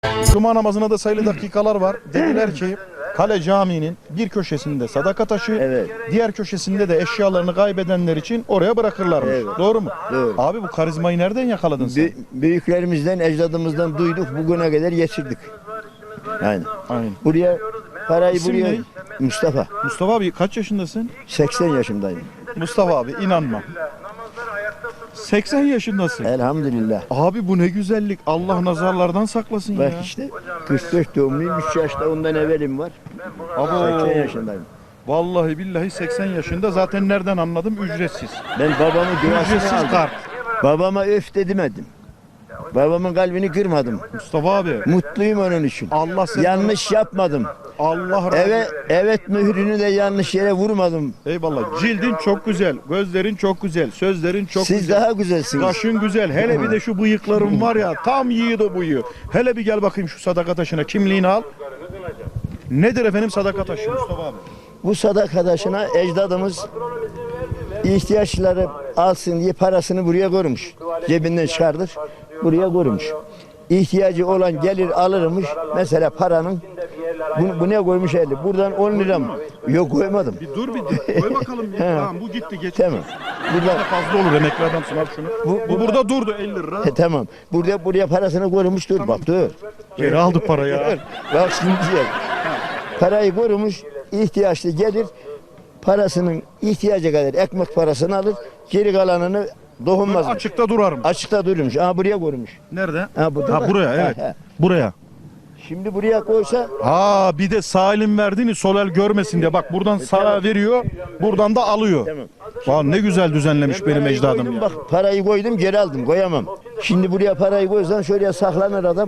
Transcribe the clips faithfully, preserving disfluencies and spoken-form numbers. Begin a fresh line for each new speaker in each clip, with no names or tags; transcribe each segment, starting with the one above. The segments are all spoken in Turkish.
Cuma namazına da sayılı dakikalar var. Dediler ki Kale Camii'nin bir köşesinde sadaka taşı,
Evet.
diğer köşesinde de eşyalarını kaybedenler için oraya bırakırlarmış.
Evet.
Doğru mu?
Doğru.
Abi bu karizmayı nereden yakaladın sen?
Bü- büyüklerimizden, ecdadımızdan duyduk, bugüne kadar geçirdik. Yani
Aynen.
buraya parayı
İsim
buraya
ne?
Mustafa.
Mustafa abi kaç yaşındasın?
seksen yaşındayım.
Mustafa abi inanma. seksen yaşındasın.
Elhamdülillah.
Abi bu ne güzellik. Allah nazarlardan saklasın
Bak
ya.
işte kırk dört doğumluyum. üç yaşta ondan evvelim var.
Abo.
seksen yaşındayım.
Vallahi billahi seksen yaşında. Zaten nereden anladım? Ücretsiz.
Ben babamın duasını
Ücretsiz
aldım.
kart.
Babama öf de demedim. Babamın kalbini kırmadım.
Mustafa abi.
Mutluyum onun için.
Allah seni
Yanlış yapmadım.
Allah razı
Evet, evet mührünü de yanlış yere vurmadım.
Eyvallah. Cildin çok güzel. Gözlerin çok güzel. Sözlerin çok
Siz
güzel.
daha güzelsiniz.
Kaşın güzel. Hele bir de şu bıyıkların var ya. Tam yiğit o bıyığı. Hele bir gel bakayım şu sadaka taşına. Kimliğini al. Nedir efendim sadaka taşı Mustafa abi?
Bu sadaka taşına ecdadımız ihtiyaçları alsın diye parasını buraya koymuş. Cebinden çıkardır. Buraya koymuş. İhtiyacı olan gelir alırmış. Mesela paranın bu, bu ne koymuş elli? Buradan on lira mı? Yok koymadım.
Bir dur bir koy bakalım.
He.
Tamam bu gitti geç.
Tamam. Buradan
Fazla olur emekli adamsın al şunu. Bu, bu burada durdu elli lira.
He, tamam. Burada buraya parasını koymuş dur bak dur.
Geri aldı parayı.
Bak şimdi diyor. Parayı korumuş, ihtiyaçlı gelir, parasının ihtiyacı kadar ekmek parasını alır, geri kalanını dokunmaz.
Açıkta durarım.
Açıkta durmuş. Aha buraya korumuş.
Nerede?
Ha, burada
Ha
bak.
buraya evet.
Ha, ha.
Buraya.
Şimdi buraya koysa
Ha bir de sağ elin verdiğini sol el görmesin diye. Bak buradan sağa veriyor, buradan da alıyor.
tamam.
Vay ne güzel düzenlemiş benim
Parayı
ecdadım
koydum,
ya.
bak parayı koydum geri aldım koyamam. Şimdi buraya parayı koysan şöyle saklanır adam.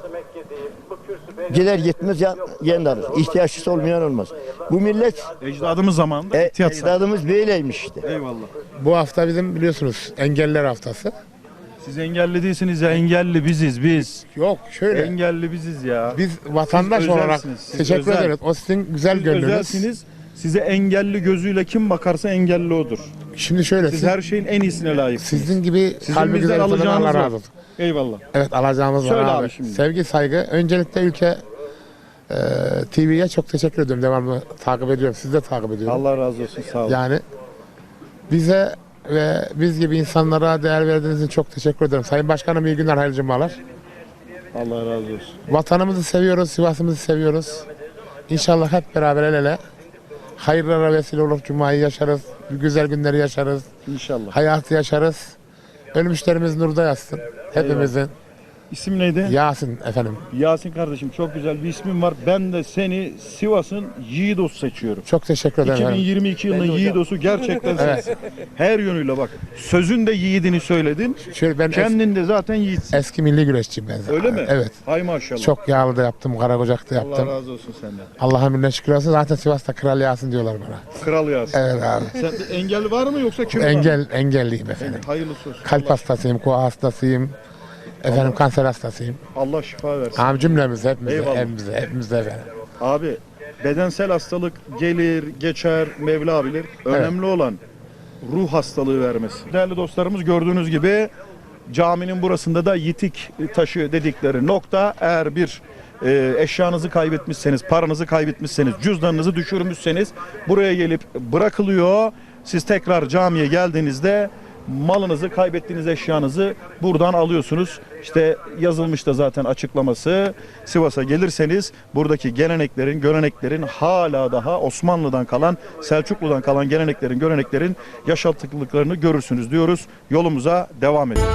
Gider gitmez ya kendi alır. İhtiyaçlısı olmayan olmaz. Bu millet
Ecdadımız zamanında
e,
ihtiyat sahibi.
ecdadımız böyleymiş işte.
Eyvallah.
Bu hafta bizim biliyorsunuz engelliler haftası.
Siz engelli değilsiniz ya, engelli biziz biz.
Yok şöyle
Engelli biziz ya.
biz vatandaş
Siz
olarak
özelsiniz, siz
teşekkür
özel.
ederiz. O sizin güzel
Siz
gönlünüz.
özelsiniz. Size engelli gözüyle kim bakarsa engelli odur.
Şimdi şöyle
Siz
siz,
her şeyin en iyisine layıksınız.
sizin gibi
Sizin
kalbi
bizden
güzel insanlara
alacağınız
Allah
var.
razı olsun.
Eyvallah.
Evet alacağımız
Söyle
var
abi
abi.
şimdi.
Sevgi saygı. Öncelikle ülke e, T V'ye çok teşekkür ediyorum. Devamlı takip ediyorum. Siz de takip ediyorum.
Allah razı olsun sağ olun.
Yani bize ve biz gibi insanlara değer verdiğiniz için çok teşekkür ederim. Sayın Başkanım iyi günler, hayırlı cumalar.
Allah razı olsun.
Vatanımızı seviyoruz, Sivas'ımızı seviyoruz. İnşallah hep beraber el ele hayırlara vesile olur, cumayı yaşarız, güzel günleri yaşarız,
İnşallah.
hayatı yaşarız. Ölmüşlerimiz nurda yatsın. Hepimizin.
İsim neydi?
Yasin efendim.
Yasin kardeşim çok güzel bir ismin var. Ben de seni Sivas'ın Yiğidos seçiyorum.
Çok teşekkür ederim. efendim.
iki bin yirmi iki yılının Yiğidos'u gerçekten sensin. Her yönüyle bak. Sözün de yiğidini söyledin.
Şöyle ben es-
Kendin de zaten yiğitsin.
eski milli güreşçiyim ben.
Öyle mi?
Evet.
Hay maşallah.
Çok yağlı da yaptım, Karagocak'ta
Allah
yaptım.
razı olsun senden.
Allah'a minnet şükür olsun. Zaten Sivas'ta Kral Yasin diyorlar bana.
Kral Yasin.
Evet abi.
Sen de engel var mı yoksa kim var?
Engel, engelliyim efendim.
Hayırlısı olsun.
Kalp
Allah,
hastasıyım, koa hastasıyım. Efendim kanser hastasıyım.
Allah şifa versin.
Abi cümlemize, hepimize,
Eyvallah.
hepimize, hepimize efendim.
Abi bedensel hastalık gelir, geçer, Mevla bilir. Önemli olan ruh hastalığı vermesi. Değerli dostlarımız gördüğünüz gibi caminin burasında da yitik taşı dedikleri nokta. Eğer bir e, eşyanızı kaybetmişseniz, paranızı kaybetmişseniz, cüzdanınızı düşürmüşseniz buraya gelip bırakılıyor. Siz tekrar camiye geldiğinizde malınızı, kaybettiğiniz eşyanızı buradan alıyorsunuz. İşte yazılmış da zaten açıklaması. Sivas'a gelirseniz buradaki geleneklerin, göreneklerin hala daha Osmanlı'dan kalan, Selçuklu'dan kalan geleneklerin, göreneklerin yaşattıklıklarını görürsünüz diyoruz. Yolumuza devam ediyoruz.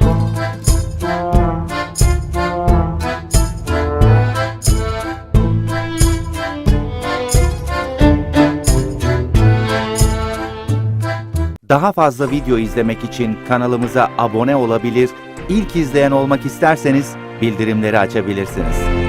Daha fazla video izlemek için kanalımıza abone olabilir, ilk izleyen olmak isterseniz bildirimleri açabilirsiniz.